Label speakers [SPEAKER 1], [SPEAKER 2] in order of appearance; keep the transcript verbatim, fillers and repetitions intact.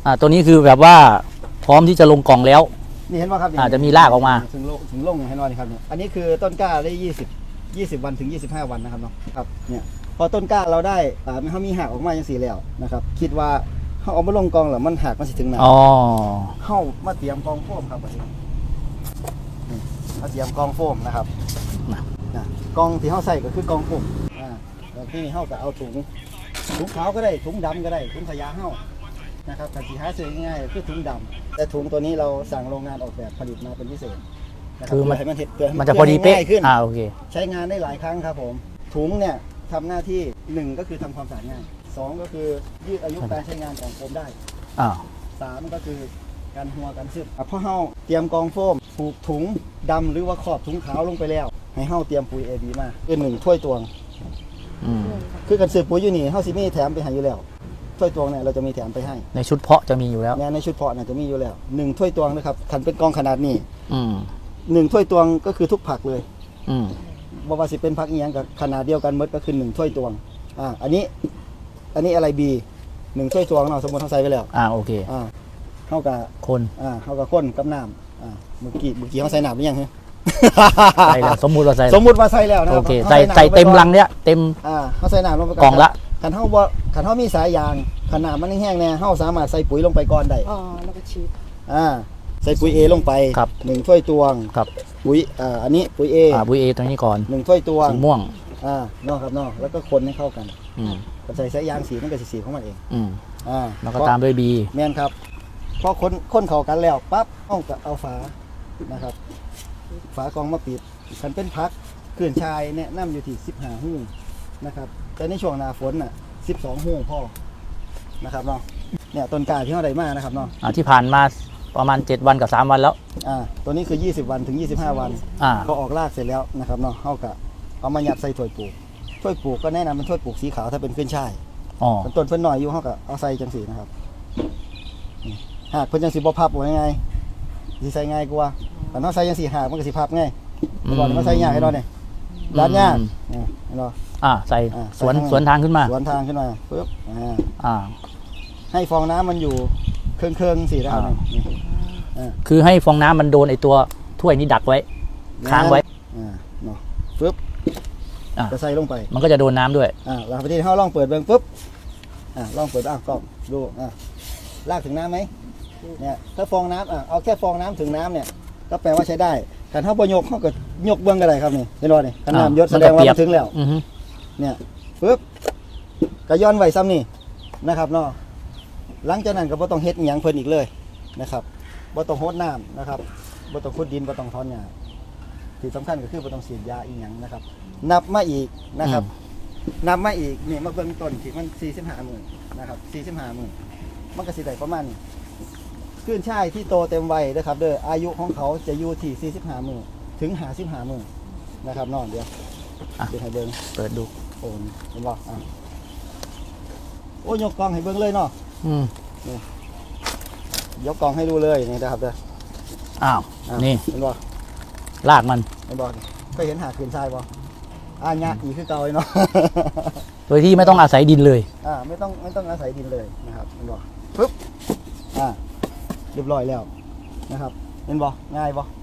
[SPEAKER 1] อ่าตัวนี้คือแบบว่าพร้อมที่จะลงกล่องแล้ว
[SPEAKER 2] นี่เห็นไหมครับ
[SPEAKER 1] อาจจะมีรากออกมา
[SPEAKER 2] ถึงลงถึงลงเห็นไหมครับเนี่ยอันนี้คือต้นกล้าได้ยี่สิบ ยี่สิบวันถึงยี่สิบห้าวันนะครับเนาะครับเนี่ยพอต้นกล้าเราได้อ่าเขามีหักออกมาอย่างสีแล้วนะครับคิดว่าเขาเอามาลงกองหรือมันหักมันสิถึงไหนอ๋อเข้ามาเตรียมกองโฟมครับวันนี้มาเตรียมกองโฟมนะครับนะกองที่เขาใส่ก็คือกองโฟมอ่าแล้วที่นี่เขาก็เอาถุงถุงขาวก็ได้ถุงดำก็ได้ถุงขยะเข้านะครับแต่สีหาซื้อง่ายๆคือถุงดำแต่ถุงตัวนี้เราสั่งโรงงานออกแบบผลิตมาเป็นพิเศษ
[SPEAKER 1] คือมัน
[SPEAKER 2] มัน
[SPEAKER 1] มันจะพอดีเป๊ะ
[SPEAKER 2] ขึ้น
[SPEAKER 1] อ่าโอเค
[SPEAKER 2] ใช้งานได้หลายครั้งครับผมถุงเนี่ยทำหน้าที่หนึ่งก็คือทำความสะอาดง่ายสองก็คือยืดอายุการใช้งานของโฟมได้
[SPEAKER 1] อ่า
[SPEAKER 2] สามก็คือการหัวการซึมพอเฮาเตรียมกองโฟมผูกถุงดำหรือว่าขอบถุงขาวลงไปแล้วให้เฮาเตรียมปุ๋ย เอ บี มาคือหนึ่งถ้วยตวงคือการซื้อปุ๋ยอยู่นี่เฮาสิมีแถมไปให้อยู่แล้วถ้วยตวงเนี่ยเราจะมีแถมไปให้
[SPEAKER 1] ในชุดเพาะจะมีอยู่แล้ว
[SPEAKER 2] ในชุดเพาะเนี่ยจะมีอยู่แล้วหนึ่งถ้วยตวงนะครับขันเป็นกองขนาดนี้
[SPEAKER 1] อืม
[SPEAKER 2] หนึ่งถ้วยตวงก็คือทุกผักเลย
[SPEAKER 1] อืม
[SPEAKER 2] บอกว่าสิเป็นผักอีหยังกับขนาดเดียวกันหมดก็คือหนึ่งถ้วยตวงอ่าอันนี้อันนี้อะไรบีหนึ่งถ้วยตวงเนาะสมมติเขาใส่ไปแล้ว
[SPEAKER 1] อ่าโอเค
[SPEAKER 2] อ่าเข้ากับ
[SPEAKER 1] คน
[SPEAKER 2] อ่าเข้ากับคนกับน้ำอ่าเมื่อกี้เมื่อกี้เขาใส่น้ำหรือยังฮะ
[SPEAKER 1] ใส่แล้วสมมุติว่าใส่
[SPEAKER 2] สมมุติว่าใส่แล้วนะ
[SPEAKER 1] โอเคใส่ใส่เต็มลังเนี้ยเต็ม
[SPEAKER 2] อ่าเขาใส่น้ำลงไป
[SPEAKER 1] กล่องละ
[SPEAKER 2] ขันเท้าบ่ขันเท้ามีสายยางขนาดมันแห้งๆเนี่ยเท้าสามารถใส่ปุ๋ยลงไปก่อนได้
[SPEAKER 3] อ๋อแล้วก็ชีส
[SPEAKER 2] อ่าใส่ปุ๋ยเอลงไปหนึ่งถ้วยตวง
[SPEAKER 1] ครับ
[SPEAKER 2] ปุ๋ยอ่าอันนี้ปุ๋ยเอ
[SPEAKER 1] อ่าปุ๋ยเอตรงนี้ก่อน
[SPEAKER 2] หนึ่งถ้วยตวง
[SPEAKER 1] สีม่วง
[SPEAKER 2] อ่าเนาะครับเนาะแล้วก็คนให้เข้ากัน
[SPEAKER 1] อืม
[SPEAKER 2] ใส่สายยางสีมันก็สีสีของมันเอง
[SPEAKER 1] อืม
[SPEAKER 2] อ่า
[SPEAKER 1] แล้วก็ตามด้วยบี
[SPEAKER 2] แม่นครับพอคนคนเข้ากันแล้วปั๊บเอากับเอาฝานะครับฝากองมาปิดคันเป็นพักเขื่อนชายเนี่ยน้ำอยู่ที่สิบห้าหู้นะครับแต่ในช่วงหน้าฝนน่ะสิบสองหู้พ่อนะครับเนาะเนี่ยต้นกล้าที่เขาได้มานะครับเนาะ
[SPEAKER 1] อ่าที่ผ่านมาประมาณเจ็ดวันกับสามวันแล้ว
[SPEAKER 2] อ่าตัวนี้คือยี่สิบวันถึงยี่สิบห้าวัน
[SPEAKER 1] อ่า
[SPEAKER 2] พอออกรากเสร็จแล้วนะครับเนาะเขาก็เอามายัดใส่ถ้วยปลูกถ้วยปลูกก็แนะนำเป็นถ้วยปลูกสีขาวถ้าเป็นเขื่อนชาย
[SPEAKER 1] อ๋อ
[SPEAKER 2] ต้นเพิ่นหน่อยอยู่เขาก็เอาใส่จังสีนะครับหากเพิ่นจังสีบ่พับว่าไงสิใส่ง่ายกว่าแต่เนาะใส่จังสีหากมันก็สิพับง่ายก่อนมาใส่ยากให้เราเนี่ยด้านยากเนี่ยเรา
[SPEAKER 1] อ่าใส่สวนสวนทางขึ้นมา
[SPEAKER 2] สวนทางขึ้นมาปึ๊บอ่า
[SPEAKER 1] อ่า
[SPEAKER 2] ให้ฟองน้ำมันอยู่เครื่องเครื่องสีนะครับ
[SPEAKER 1] คือให้ฟองน้ำมันโดนไอตัวถ้วยนี้ดักไว้ค้างไว้
[SPEAKER 2] อ่าเนาะปึ๊บจะใส่ลงไป
[SPEAKER 1] มันก็จะโดนน้ำด้วย
[SPEAKER 2] อ่าเราพอดีเขาลองเปิดเบื้องปุ๊บอ่าลองเปิดอ่ะก็ดูอ่าลากถึงน้ำไหมเนี่ยถ้าฟองน้ำอ่ะเอาแค่ฟองน้ำถึงน้ำเนี่ยก็แปลว่าใช้ได้แต่ถ้าพอยกเขาก็ยกเบื้องก็ได้ครับนี่เห็นไหมนี่ขนาดยศแสดงว่าถึงแล้วเนี่ยปึ๊บก็ย้อนไว้ซ้ำนี่นะครับเนาะหลังจากนั้นก็บ่ต้องเฮ็ดหยังเพิ่นอีกเลยนะครับบ่ต้องโหดน้ำนะครับบ่ต้องขุดดินบ่ต้องถอนหญ้าที่สำคัญก็คือบ่ต้องฉีดยาอีหยังนะครับนับมาอีกนะครับนับมาอีกนี่มาเบิ่งต้นที่มันสี่สิบห้ามื้อนะครับสี่สิบห้ามื้อมันก็สิได้ประมาณนี้ขึ้นช่ายที่โตเต็มวัยนะครับเด้ออายุของเขาจะอยู่ที่สี่สิบห้ามื้อถึงห้าสิบห้ามื้อนะครับเนาะเดี๋ยวเดี๋ยวให้เบิ่ง
[SPEAKER 1] เปิดดู
[SPEAKER 2] โอ้เห็นบ่อ่ะโอ้ยกกล้องให้เบิ่งเลยเนาะ
[SPEAKER 1] อืม
[SPEAKER 2] นี่ยกกองให้ดูเลยนี่นะครับเด้อ
[SPEAKER 1] อ้าวนี่
[SPEAKER 2] เห็นบ่
[SPEAKER 1] ลากมัน
[SPEAKER 2] เห็นบ่เคยเห็นหาขืนทรายบ่อ่าเนี่ยอีคือเก่าเลยเนาะ
[SPEAKER 1] โดยที่ไม่ต้องอาศัยดินเลย
[SPEAKER 2] อ่าไม่ต้องไม่ต้องอาศัยดินเลยนะครับเห็นบ่ปึ๊บอ่าเรียบร้อยแล้วนะครับเห็นบ่ง่ายบ่